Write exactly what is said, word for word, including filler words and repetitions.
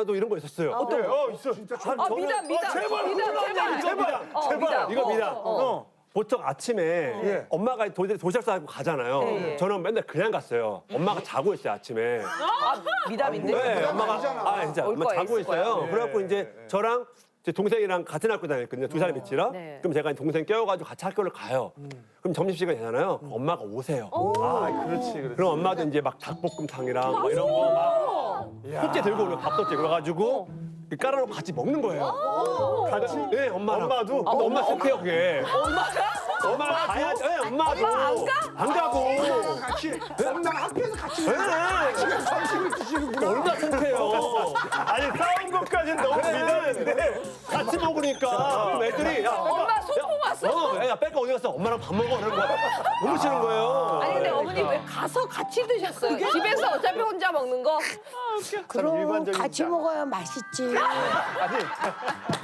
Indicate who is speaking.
Speaker 1: 때도 이런 거 있었어요.
Speaker 2: 어때요? 어, 있어. 진짜
Speaker 1: 한
Speaker 3: 어,
Speaker 1: 저는-
Speaker 3: 미담, 미담.
Speaker 2: 제발,
Speaker 3: 미담,
Speaker 2: 그만
Speaker 3: 제발.
Speaker 2: 얘기 좀
Speaker 1: 미담,
Speaker 3: 어,
Speaker 1: 제발.
Speaker 3: 미담.
Speaker 1: 이거
Speaker 3: 어,
Speaker 1: 미담.
Speaker 3: 어, 어.
Speaker 1: 보통 아침에
Speaker 2: 예.
Speaker 1: 엄마가 도, 도시락 싸고 가잖아요.
Speaker 3: 예, 예.
Speaker 1: 저는 맨날 그냥 갔어요. 엄마가 자고 있어요, 아침에.
Speaker 3: 아, 미담인데?
Speaker 1: 네,
Speaker 2: 미담
Speaker 1: 엄마가
Speaker 2: 아니잖아.
Speaker 1: 아 진짜
Speaker 3: 올
Speaker 1: 엄마
Speaker 3: 거야,
Speaker 1: 자고
Speaker 3: 있을 거야.
Speaker 1: 있어요.
Speaker 2: 예,
Speaker 1: 그래갖고
Speaker 2: 예,
Speaker 1: 이제
Speaker 2: 예.
Speaker 1: 저랑 제 동생이랑 같은 학교 다녔거든요. 두 살이 밑이라.
Speaker 3: 네.
Speaker 1: 그럼 제가 동생 깨워가지고 같이 학교를 가요. 그럼 점심 시간 되잖아요. 그럼 엄마가 오세요.
Speaker 2: 아, 그렇지, 그렇지.
Speaker 1: 그럼 엄마도 이제 막 닭볶음탕이랑 뭐 이런 거막 속재 들고 오면 밥솥에 그래가지고 깔아놓고 같이 먹는 거예요.
Speaker 2: 같이?
Speaker 1: 네, 엄마랑.
Speaker 2: 엄마도?
Speaker 1: 근데 엄마 속해요 그게. 엄마가 가야죠. 네, 엄마도.
Speaker 3: 엄마 안 가?
Speaker 1: 안 가고.
Speaker 2: 같이. 엄마가 학교에서 같이.
Speaker 1: 네.
Speaker 2: 점심을 드시는구나.
Speaker 1: 얼마나 속해요.
Speaker 2: 아니, 싸운 것까지는 너무 미담인데.
Speaker 1: 같이 먹으니까 그럼 애들이 야,
Speaker 3: 엄마 소풍 왔어?
Speaker 1: 어, 야, 뺄까 어디 갔어? 엄마랑 밥 먹어. 그런 거 너무 싫은 거예요.
Speaker 3: 아니 근데 어머니 왜 가서 같이 드셨어요? 집에서 어차피 혼자 먹는 거?
Speaker 4: 그럼
Speaker 2: 일반적인
Speaker 4: 같이
Speaker 2: 자.
Speaker 4: 먹어야 맛있지.
Speaker 2: 아니,